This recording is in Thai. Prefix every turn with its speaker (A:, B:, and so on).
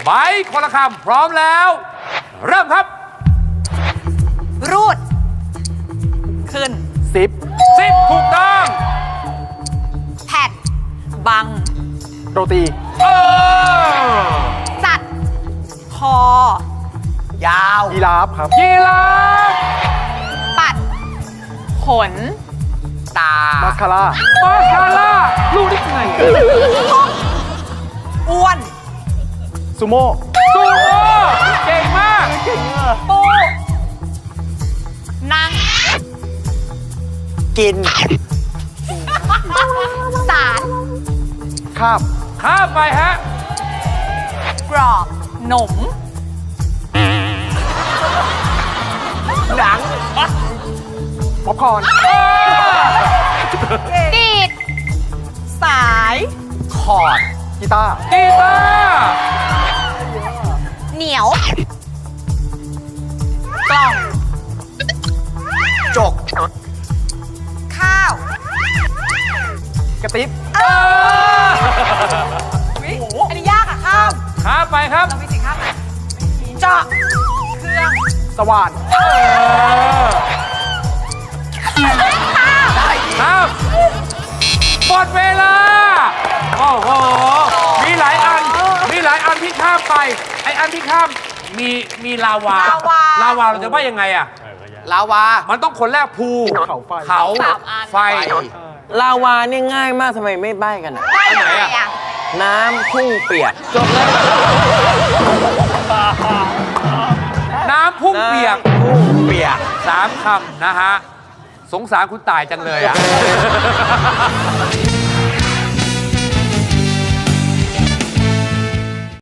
A: ใบคนละคำพร้อมแล้ว เริ่มครับ
B: รูด ขึ้น
C: ซิป
A: 10 ถูกต้อง
B: แผ่น บัง
C: โรตี
A: เออ
B: สัตว์ คอ
D: ยาว
C: ยีราฟครับ
A: ยีราฟ
B: ปัด ขน
D: ตา
C: มาสคาร่า
A: มาสคาร่ารู้ได้ไง
B: อ้วน
C: ซูโม่
A: ซูโม่เก่งมาก
B: ปู นั่ง
D: กิน
B: สาร
C: ข้าม
A: ข้ามไปฮะ
B: กรอบหนม
D: หนัง
C: ป๊อปคอร์น
B: ดีด สาย
D: คอร์ด
C: กีตาร์
A: กีตาร์
B: เหนียว กล่อง
D: จก
B: ข้าว
C: กระติบ
A: เออ
B: อันนี้ยากอะข้าม
A: ข้ามไปครับ
B: เรามีสิ่งข้ามไหมเจาะ เครื่อง
C: สว่าน
A: เออข้ามหมดเวลา โอ้โห มีหลายอันที่ข้ามไป ไออันที่ข้ามมีลาวา ลาวาเราจะว่ายังไงอะ
D: ลาวา
A: มันต้องคนแรกภู
C: เขาไฟ
A: เขา
B: สามอัน
A: ไฟ
E: ลาวาเนี่ยง่ายมากทำไมไม่ใบ้กันอะ
B: ได้ยังไงอะ
E: น้ำพุ่งเปียกจบแล้ว
A: น้ำพุ่งเปียก
E: น้ำพุ่งเปียก
A: 3 คำนะฮะ สงสารคุณตายจังเลยอ่ะ